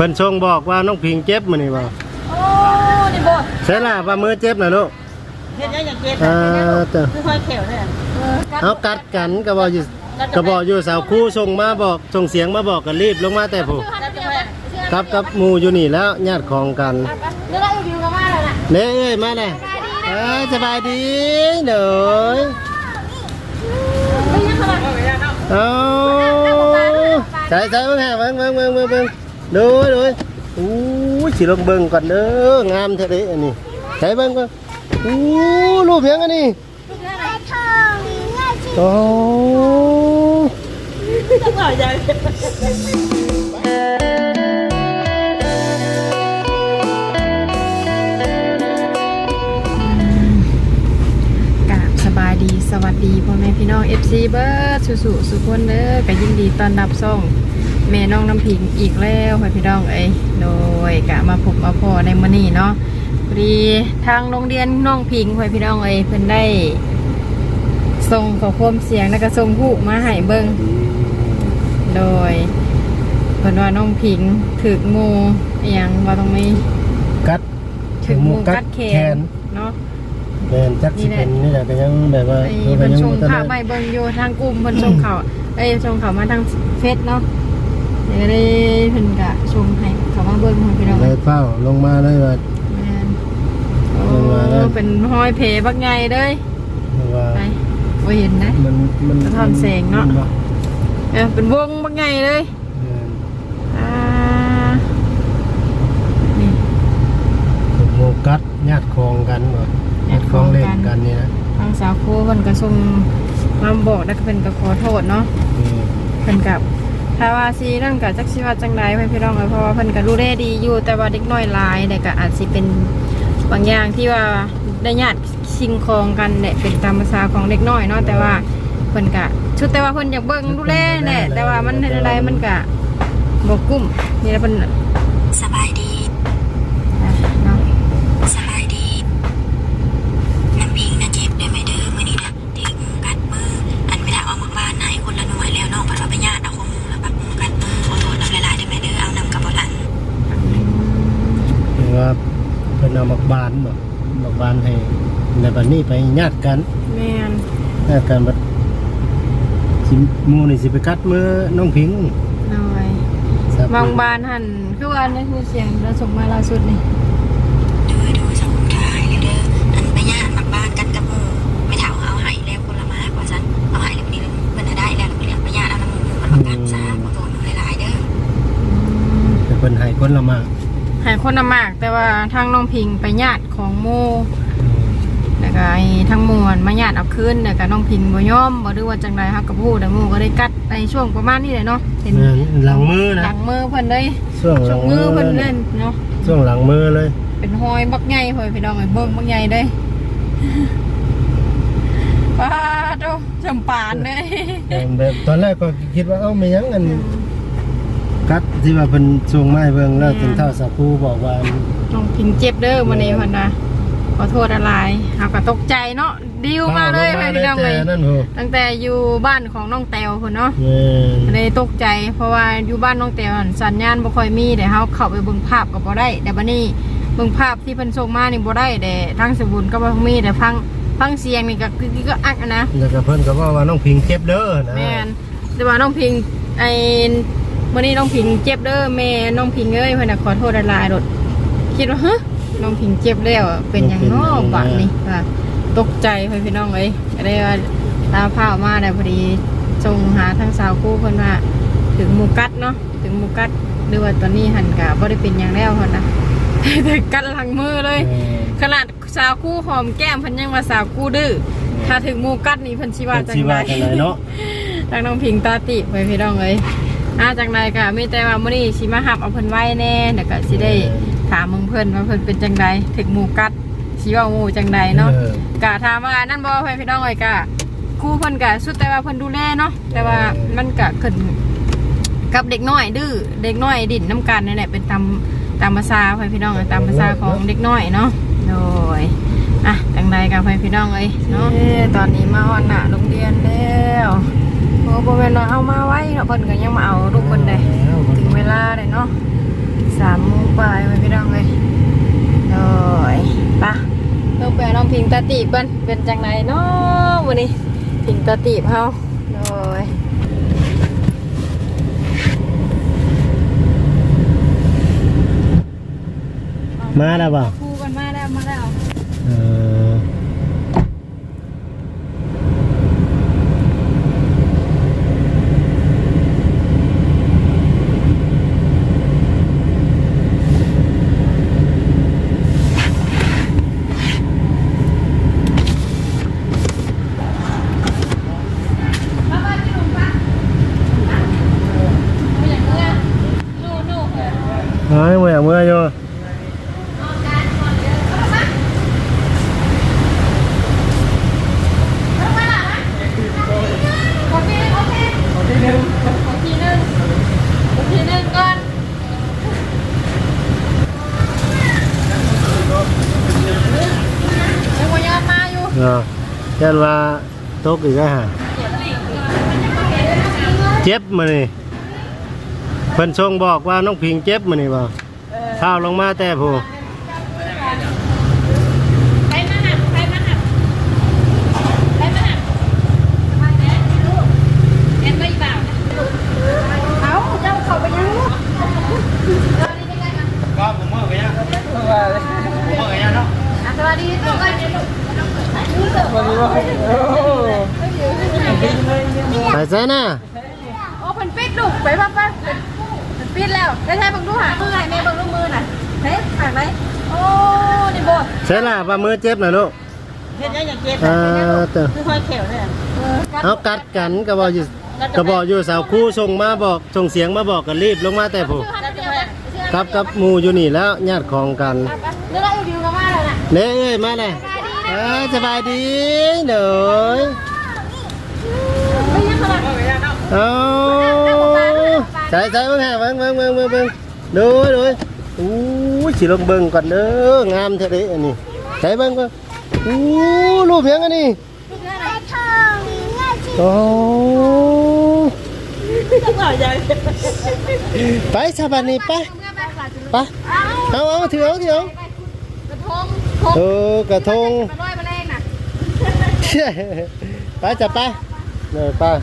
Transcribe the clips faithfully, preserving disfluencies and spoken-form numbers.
พิ่นชงบอกว่าน้องพิงเจ็บมื้อนี้บ่โอ้นี่บ่ใช่ล่ะว่ามือเจ็บน่ะลูกเฮ็ดยังอย่างเจ็บเออเด้อค่อยๆแขวเนี่ยเฮากัดกันก็บ่อยู่ก็บ่อยู่สาวคู่ส่งมาบอกส่งเสียงมาบอกก็รีบลงมาแต่ผู้กับกับหมู่อยู่นี่แล้วญาติของกันเดี๋ยวเราอยู่กันมาแล้วน่ะเด้เอ้ยมาเลยเออสบายดีเด้อเอาใส่ใส่เบิ่งฮะเบิ่งเบิ่งเบิ่งเบิ่งเบิ่งดูดูอู้สิลงเบิ่งก่อนเด้องามแท้เด้อันนี้ใส่เบิ่งก่อนอู้รูปหยังอันนี้โอ้จะหน่อยใหญ่สบายดีสวัสดีพ่อแม่พี่น้อง เอฟ ซี เบิร์ดสุๆสุคนเด้อก็ยินดีต้อนรับส่งแม่น้องน้ำผิงอีกแล้วพ่อพี่น้องเอ้ยโดยกะมาพบมาพอในมื้อนี้เนาะพอดีทางโรงเรียนน้องผิงพ่อพี่น้องเอ้ยเพิ่นได้ส่งข้อความเสียงแล้วก็ส่งรูปมาให้เบิ่งโดยเพิ่นว่าน้องผิงถูกงูอีหยังว่าตรงนี้กัดถูกงูกัดแขนเนาะเป็นจักสิเป็นนี่แหละก็ยังแบบว่าเพิ่นชงข่าวใหม่เบิ่งอยู่ทางกลุ่มเพิ่นชงข่าวเอ้ยชงข่าวมาทางเฟซเนาะเดี๋ยวได้เพิ่นก็ชงให้เข้ามาเบิ่งให้พี่น้องเลยเฝ้าลงมาเลยว่าแม่นโอ้เป็นห้อยเพบักใหญ่เด้ยว่าไปบ่เห็นนะมันมันสะท้อนแสงเนาะเออเป็นวงบักใหญ่เลยอ่านี่โมกัดญาติคองกันบ่ญาติคองเล่นกันนี่นะทางสาวโคเพิ่นก็ส่งมาบอกแล้วก็เพิ่นก็ขอโทษเนาะเพิ่นกับถ้าว่าสินั่นก็จักสิว่าจังได๋เพิ่นพี่น้องเอ้ยเพราะว่าเพิ่นก็ดูแลดีอยู่แต่ว่าเด็กน้อยหลายแต่ก็อาจสิเป็นบางอย่างที่ว่าได้ญาติชิงคองกันแหละเป็นตามภาษาของเด็กน้อยเนาะแต่ว่าเพิ่นก็ชุดแต่ว่าเพิ่นอยากเบิ่งดูแลแหละแต่ว่ามันเฮ็ดอะไรมันก็บ่กุ้มนี่แหละเพิ่นสบายดีเนาะสบายดีน้ำพิงนะเจ็บได้ไหมเด้อมื้อนี้นะที่งูกัดมืออันไปถามเอามาบ้านให้คนละหน่วยแล้วน้องพัดว่าไปญาติเอาของงูแล้วปักงูกัดมือขอโทษน้ำลายๆได้ไหมเด้อเอานำกับบ่หลังว่าเพิ่นเอามักบานบ่มักบานให้ในบัดนี้ไปญาติกันแม่นญาติกันบัดสิหมู่นี่สิไปกัดมือน้องพิงน้อยบางบ้านหั่นคือว่าในคือเสียงเราส่งมาล่าสุดนี่ดูดูสังคมถ่ายเลยเด้ออันไปญาติมักบ้านกันกับหมู่ไม่ถามเอาให้แล้วคนละมากว่าซั่นเอาให้แล้วนี้เพิ่นได้แล้วเรียกไปญาติเอาน้ำหมู่มันมากัดซะขอโทษหลายๆเด้อแต่เพิ่นให้คนละมากให้คนละมากแต่ว่าทางน้องพิงไปญาติของโมแล้วก็ทั้งมวลมาญาติเอาคืนแล้วก็น้องพิงบ่ยอมบ่รู้ว่าจังได๋ฮักกับผู้แต่หมู่ก็ได้กัดในช่วงประมาณนี้แหละเนาะเห็นหลังมือนะหลังมือเพิ่นเลยช่วงหลังมือเพิ่นเล่นเนาะช่วงหลังมือเลยเป็นหอยบักใหญ่หอยพี่น้องเอ้ยเบิ่งบักใหญ่เด้ป้าโตจำปานเด้แบบตอนแรกก็คิดว่าเอ้าไม่ยังอันกัดที่ว่าเพิ่นส่งมาให้เบิ่งแล้วจนเท่าสักครู่บอกว่าน้องพิงเจ็บเด้อมื้อนี้เพิ่นน่ะขอโทษอะไรเฮาก็ตกใจเนาะดิวมาเลยพี่น้องเอ้ยตั้งแต่อยู่บ้านของน้องแตวพุ่นเนาะเลยตกใจเพราะว่าอยู่บ้านน้องแตวสัญญาณบ่ค่อยมีแต่เฮาเข้าไปเบิ่งภาพก็บ่ได้แต่บัดนี้เบิ่งภาพที่เพิ่นส่งมานี่บ่ได้แต่ทางสมุนก็บ่มีแต่ฟังฟังเสียงนี่ก็คือก็อักนะแล้วก็เพิ่นก็ว่าว่าน้องพิงเจ็บเด้อนะแม่นแต่ว่าน้องพิงไอ้มื้อนี้น้องพิงเจ็บเด้อแม่น้องพิงเอ้ยเพิ่นน่ะขอโทษหลายๆโดดคิดว่าฮะน้องพิงเจ็บแล้วเป็นหยังเนาะบัดนี้ค่ะตกใจเพิ่นพี่น้องเอ้ยก็ได้ว่าตาผ้ามาได้พอดีส่งหาทางสาวคู่เพิ่นว่าถึงหมู่กัดเนาะถึงหมู่กัดหรือว่าตอนนี้หันก็บ่ได้เป็นหยังแล้วเพิ่นน่ะแต่กัดหลังมือเลยขนาดสาวคู่หอมแก้มเพิ่นยังว่าสาวคู่ดื้อถ้าถึงหมู่กัดนี่เพิ่นสิว่าจังได๋เนาะทางน้องพิงตาติเพิ่นพี่น้องเอ้ยอ่าจังได๋ก็มีแต่ว่ามื้อนี้สิมารับเอาเพิ่นไว้แน่เดี๋ยวก็สิได้ถามมึงเพิ่นว่าเพิ่นเป็นจังไดถึงหมู่กัดสิว่าหมู่จังไดเนาะกะถามว่านั่นบ่เพิ่นพี่น้องเอ้ยกะครูเพิ่นกะสุดแต่ว่าเพิ่นดูแลเนาะแต่ว่ามันกะขึ้นกับเด็กน้อยดื้อเด็กน้อยดิ้นน้ำกันนี่แหละเป็นตามตามภาษาเพิ่นพี่น้องตามภาษาของเด็กน้อยเนาะโดยอ่ะจังไดกะเพิ่นพี่น้องเอ้ยเนาะตอนนี้มาฮอดหน้าโรงเรียนแล้วโอ้บ่แม่นว่าเอามาไว้เนาะเพิ่นก็ยังมาเอาลูกเพิ่นได้ถึงเวลาได้เนาะสสามโมงปลายมาพี่น้องเลยโอ้ยปะลงไปน้องพิงตาตีบกันเป็นจังไหนเนาะวันนี้พิงตาตีบเฮาโอ้ยมาแล้วบ่คู่กันมาแล้วมาแล้วเออเฮ้ยเมื่อเมื่ออยู่เนาะเช่นว่าตกอีกแล้วฮะเจ็บมานี่เพิ่นชงบอกว่าน้องพิงเจ็บมานี่บ่ข้าวลงมาแต่ผู้ไปมาหักไปมาหักไปมาหักเอ็นไม่บ่าวนะเอาเจ้าเขาไปยังลูกก็ผมเมื่อไปยังผมเมื่อไปยังเนาะสวัสดีทุกคนไปใส่น่ะโอ้เพิ่นปิดลูกไปป่ะป่ะเพิ่นปิดแล้วได้ใช้บังดูหามือให้แม่บังดูมือน่ะเฮ้ยหายไหมโอ้นี่บ่ใส่ล่ะว่ามือเจ็บน่ะลูกเห็นยังอย่างเจ็บเออเต้อคือคอยเขียวเนี่ยเอากัดกันก็บอกอยู่ก็บอกอยู่สาวคู่ส่งมาบอกส่งเสียงมาบอกกันรีบลงมาแต่ผู้กับกับหมู่อยู่นี่แล้วญาติของกันเดี๋ยวเราอยู่กันมาแล้วน่ะเด้เอ้ยมาเลยเออสบายดีเด้อไม่ยังขนาดเอาใส่ใส่เบิ่งฮะเบิ่งเบิ่งเบิ่งเบิ่งเบิ่งดูดูอู้สิลงเบิ่งก่อนเด้องามแท้เด้อันนี้ใส่เบิ่งเบิ่งอู้รูปหยังอันนี้โอ้ต้องเอาอย่างไปสบายนี่ไปไปเอาเอาถือเอาถือเอากระทงเออกระทงมาด้วยมาแรงน่ะไปจับไปเดี๋ยวไป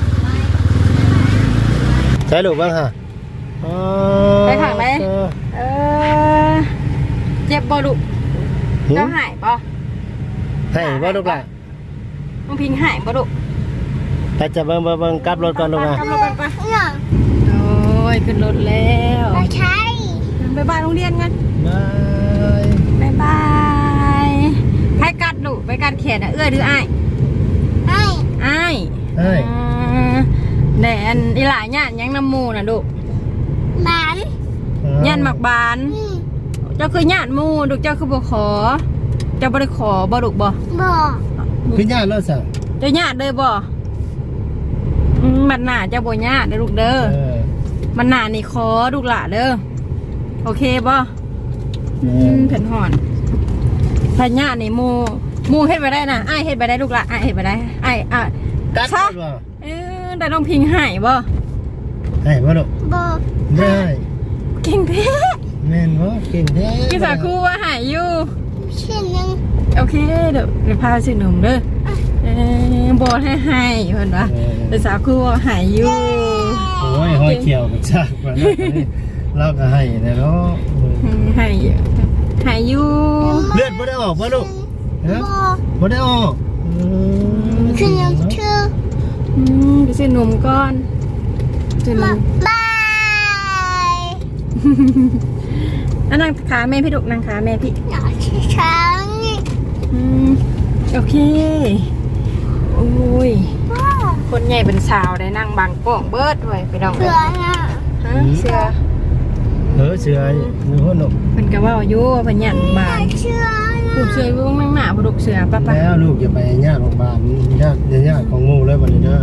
ใช้ลูกบ้างฮะไปขังไหมเออเจ็บบ่ลูกเจ้าหายบ่ให้บ่ลูกล่ะน้องพิงหายบ่ลูกไปจับเบิ่งเบิ่งเบิ่งกลับรถก่อนลูกอ่ะกลับรถกันไปโอ้ยขึ้นรถแล้วไปบ้านโรงเรียนกันบายบายบายให้กัดลูกไปกัดแขนนะเอื้อหรืออ้ายอ้ายอ้ายเฮ้ยแดนอีหลายญาติยังน้ำมูน่ะลูกบานญาติหมักบานเจ้าคือญาติมูลูกเจ้าคือบ่ขอเจ้าบ่ได้ขอบ่ลูกบ่บ่คือญาติรถสั่งเจ้าญาติเลยบ่อืมมันหน้าเจ้าบ่ญาติเด้อลูกเด้อเออมันหน้านี่ขอลูกหล่ะเด้อโอเคบ่อืมเพิ่นฮ้อนพญาตินี่มูมูเฮ็ดไปได้น่ะอ้ายเฮ็ดไปได้ลูกหล่ะอ้ายเฮ็ดไปได้อ้ายอ่ะกัดซะบ่เออแต่น้องพิงหายบ่ให้บ่ลูกบ่ได้เก่งแท้แม่นบ่เก่งแท้พี่สาวครูว่าหายอยู่เช่นยังโอเคเดี๋ยวเดี๋ยวพาซื้อหนมเด้อเออบ่ให้ให้เพิ่นว่าพี่สาวครูว่าหายอยู่โอ้ยห้อยเขียวกับชากกว่านั้นเราก็ให้นะเนาะอืมหายอยู่หายอยู่เลือดบ่ได้ออกบ่ลูกฮะบ่ได้ออกอืมคือยังคืออืมไปซื้อหนมก่อนซื้อหนมบายอ่ะนั่งขาแม่พี่ดุกนั่งขาแม่พี่หน่อยช้างนี่อืมโอเคโอ้ยคนใหญ่เป็นสาวได้นั่งบางป้องเบิดไว้ไปดองเสือน่ะฮะเสือเออเสือมีคนหนกเพิ่นก็เว้าอยู่ว่าเพิ่นหยันบานเสือผูกเสืออยู่ข้างหน้าผูกเสือป่ะป่ะแล้วลูกอย่าไปญาติของบ้านญาติญาติของงูเลยบัดนี้เด้อ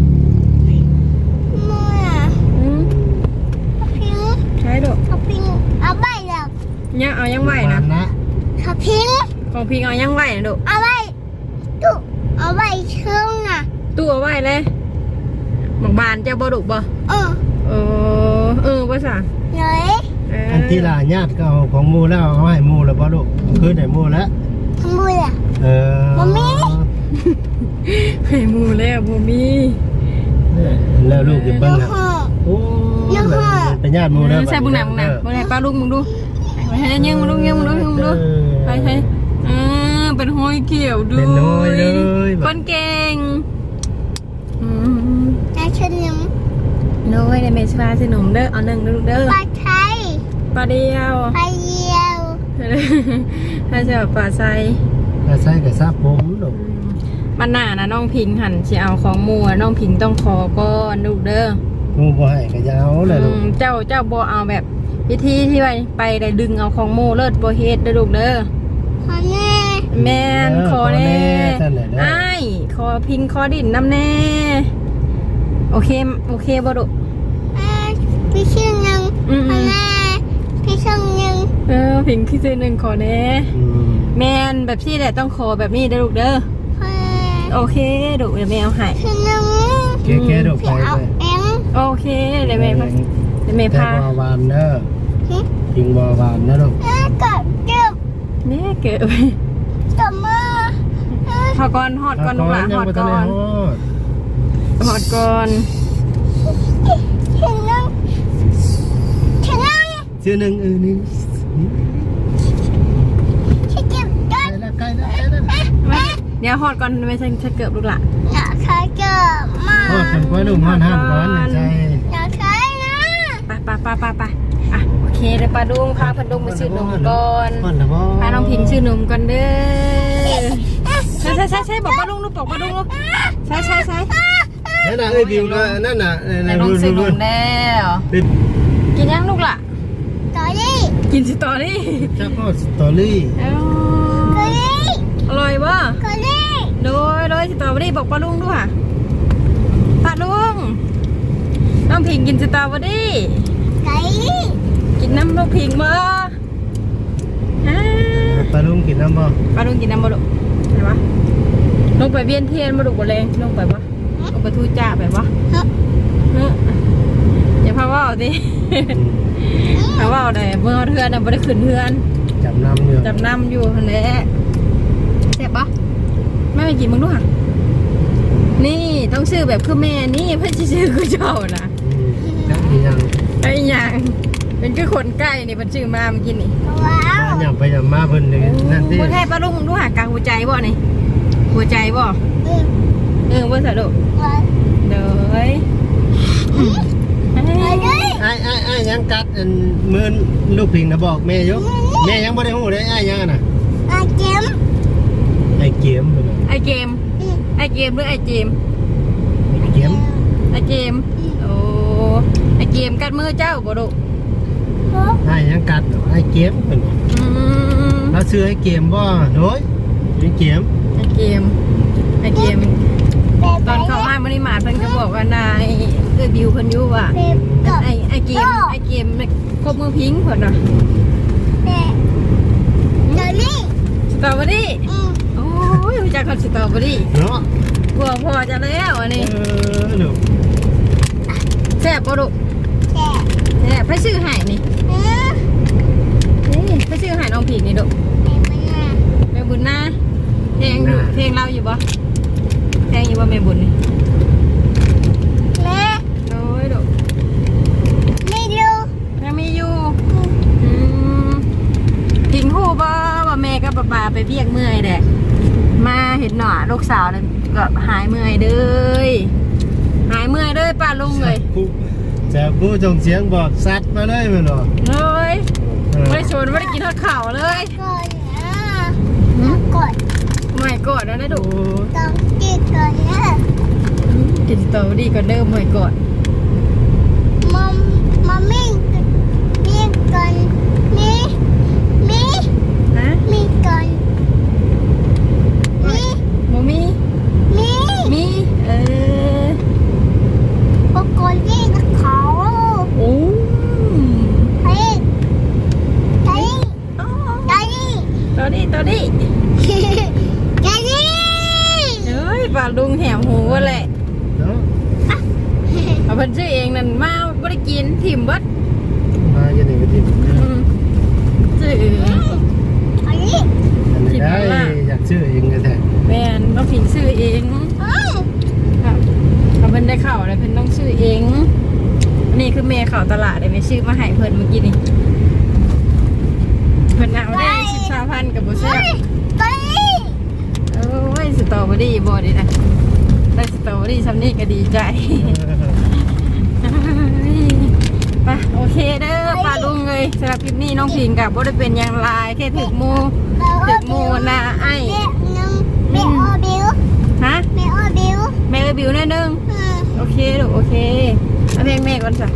มืออืมทับพิงใช่ดอกทับพิงเอาใบแล้วยังเอายังไหวนะนะทับพิงของพิงเอายังไหวนะดุเอาใบตุเอาใบเชื่องน่ะตู้เอาไหวเลยหมักบานเจ้าบ่ดุบ่เออเออเออภาษาเลยเอออันติที่ลาญาติก็เอาของหมู่แล้วเอาให้หมู่แล้วบ่ลูกคืนให้หมู่แล้วทำบุญอ่ะเออบ่มีให้หมู่แล้วบ่มีแล้วลูกจะเบิ่งฮะพ่อโอ้เป็นญาติหมู่แล้วใช่บุญหนักบุญหนักบุญหนักป้าลุงมึงดูให้ยิงมึงดูยิงมึงดูยิงมึงดูไปใช่เออเป็นห้อยเกี่ยวดูเป็นน้อยเลยคนเก่งอืมนาชนมน้อยในเมสฟาสิหนุ่มเด้อเอาหนึ่งเด้อลูกเด้อปลาไทยปลาเดียวปลาเยียวถ้าจะปลาไซถ้าใส่ก็ซาผมลูกมันหน้านะน้องพิงหันสิเอาของหมู่อะน้องพิงต้องขอก่อนลูกเด้อหมู่บ่ให้ก็ยาวเลยลูกอืมเจ้าเจ้าบ่เอาแบบวิธีที่ไปไปได้ดึงเอาของหมู่เลิศบ่เฮ็ดเด้อลูกเด้อขอแน่แม่นขอแน่ท่านไหนได้อ้ายขอพิงขอดินน้ำแน่โอเคโอเคบ่ดุอ่าพี่ชื่อหนึ่งอืมขอแน่พี่ชื่อหนึ่งเออพิงคือเจอหนึ่งขอแน่อืมแม่นแบบที่แหละต้องขอแบบนี้เด้อลูกเด้อขอแน่โอเคดุเดี๋ยวแม่เอาให้ชื่อหนึ่งแก่ๆลูกพี่ไปเอาไปเองโอเคเดี๋ยวแม่พาเดี๋ยวแม่แต่พาบ่หวานเด้อหึกินบ่หวานนะลูกอ่ากดเก็บเนี่ยเกิดกลับมาอ่าพอก่อนหอดก่อนลูกหลานหอดก่อนหอดก่อนชื่อหนึ่งชื่อหนึ่งชื่อหนึ่งเออนี่ชื่อเก็บกัใกล้นแล้วใกล้แล้วใกล้แล้วมาเดี๋ยวหอดก่อนไม่ใช่ถ้าเกิดลูกหลานอยากใช้เก็บมาทอดกันไว้ลูกห้อนห้ามก่อนนะใช่อยากใช้นะไปไปไปไปไปอ่ะโอเคเดี๋ยวปลาดุงพาพันดุงมาซื้อนมก่อนก่อนนะพ่อพาน้องพิงซื้อนมก่อนเด้อใช่ใช่ใช่ใช่บอกปลาดุงลูกบอกปลาดุงลูกใช่ใช่ใช่นั่นน่ะเอ้ยบิวก็นั่นน่ะแต่น้องซื้อนมแล้วกินยังลูกล่ะต่อดิกินสตอรี่เจ้าก็สตอรี่เอ้าก็ดิอร่อยป่ะก็ดิโดยโดยสตรอเบอรี่บอกปลาลุงด้วยค่ะปลาลุงน้องพิงกินสตรอเบอรี่ไก่กินน้ำลูกพิงบ่อ่าปลาลุงกินน้ำบ่ปลาลุงกินน้ำบ่ลูกไหนวะลงไปเวียนเทียนบ่ลูกบ่แรงลงไปบ่ลงไปทูจ่าไปบ่เฮ้ออย่าพาว่าเอาดิพาว่าเอาได้เมื่อเทือนน่ะบ่ได้ขึ้นเทือนจับน้ำอยู่จับน้ำอยู่หั่นแหละแซ่บปะแม่ไปกินมึงด้วยค่ะนี่ต้องซื้อแบบคือแม่นี่เพื่อนสิซื้อคือเจ้านะจับยังไอ้หยังเป็นคือคนใกล้นี่เพิ่นซื้อมาเมื่อกี้นี่ว้าวยังไปยังมาเพิ่นนั่นที่บ่แท้ปลาลุงมึงด้วยค่ะกลางหัวใจบ่นี่หัวใจบ่อืมเออบ่สะดวกว้าวเด้อเฮ้ยไปดิไอ้ไอ้ไอ้ยังกัดมือลูกพิงนะบอกแม่ยกแม่ยังไม่ได้หูเลยไอ้ยังน่ะอาเจมไอ้เกมไอ้เกมไอ้เกมหรือไอ้เจมไอ้เกมไอ้เจมโอ้ไอ้เกมกัดมือเจ้าบ่ลูกไอ้ยังกัดไอ้เกมเป็นอืมเราซื้อไอ้เกมบ่โดยไอ้เกมไอ้เกมไอ้เกมตอนเข้ามาบริมาเพิ่นก็บอกว่านายเอ้ยบิวเพิ่นอยู่ว่าเป๊ปกับไอ้ไอ้เกมไอ้เกมครบมือพิงเพิ่นน่ะเป๊ปเดี๋ยวนี้สตรอเบอรี่อืมโอ้ยรู้จักกับสตรอเบอรี่เนาะกลัวพอจะแล้วอันเอนี้อลูกแซ่บบ่ลูกแช่แซ่บไปซื้อให้นี่เออนี่ไปซื้อให้น้องผิงนี่ลูกเป๊ปมาแม่บุญนะเพลงอยู่เพลงเราอยู่บ่เพลงอยู่บ่แม่บุญนี่แม่โอ้ยลูกไม่ดูยังมีอยู่อืมพิงฮู้บ่ว่าแม่กับป้าไปเบียกเมื่อยแหละมาเห็นหน่อลูกสาวแล้วก็หายเมื่อยเด้อหายเมื่อยเด้อป้าลุงเลยจะผู้จงเสียงบอกซัดมาเลยมันหรอเลยไม่ได้ชวนไม่ได้กินทอดข่าวเลยก่อนนะกดไม่กอดแล้วนะดุต้องกินก่อนนะกินสตรอเบอรี่ก่อนเดิมไม่กอดมัมมัมมี่มีก่อนมีมีนะมีก่อนมีโมมีมีมีเออปกตินี่นะเขาโอ้เฮ้ยเฮ้ยอ๋อเฮ้ยตอนนี้ตอนนี้เฮ้ยเฮ้ยปลาลุงแหมหูแหละเนาะเอาเพิ่นซื้อเองนั่นมาไม่ได้กินถิ่มเบิดมาอย่างนี้ก็ที่อืมตลาดได้ไปซื้อมาให้เพิ่นเมื่อกี้นี่เพิ่นเอาได้สิบสามพันกับบ่แซ่บไปโอ้ยสตรอเบอรี่บ่ดีนะได้สตรอเบอรี่ซำนี้ก็ดีใจไปโอเคเด้อป้าลุงเลยสำหรับคลิปนี้น้องพิงกับบ่ได้เป็นอย่างไรแค่ถึกหมูถึกหมูนะไอ้แม่นึงแม่ออบิวฮะแม่ออบิวแม่เอ้ยบิวแน่นึงอืมโอเคลูกโอเคเอาเพลงแม่ก่อนจ้ะ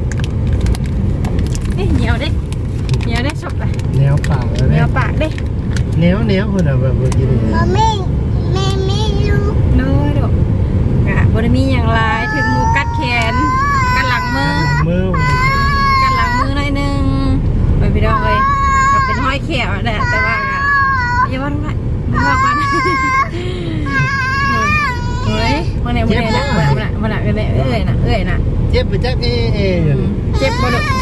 นี่เหนียวเด้เหนียวเด้ชอบเลยแนวปากเลยเหนีแม่ยวปากเด้แนวแนวคนอ่ะแบบเมื่อกี้นี่มาแม่แม่ไม่รู้น้อยลูกอ่ะบ่ได้มีอย่างไรถึงหมูกัดแขนกัดหลังมือมือกัดหลังมือหน่อยนึงไปพี่น้องเลยก็เป็นห้อยแขวแหละแต่ว่าก็อย่าว่าอะไรไม่ว่ากันเฮ้ยมันเนี่ยมันเนี่ยนะมันน่ะมันน่ะมันน่ะเอ้ยน่ะเอ้ยน่ะเจ็บไปจักเองเจ็บบ่ลูก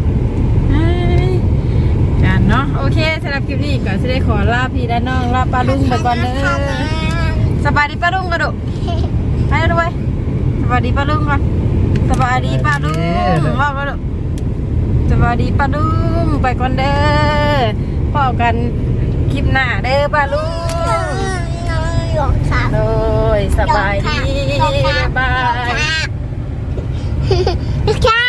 กันเนาะโอเคสำหรับคลิปนี้ก็จะได้ขอลาพี่และน้องลาป้าลุงไปก่อนเด้อสบายดีป้าลุงกันดูไปด้วยสบายดีป้าลุงก่อนสบายดีป้าลุงว่าป้าลุงสบายดีป้าลุงไปก่อนเด้อพบกันคลิปหน้าเด้อป้าลุงน้องหยอกค่ะโอ้ยสบายดีบ๊ายบายค่ะ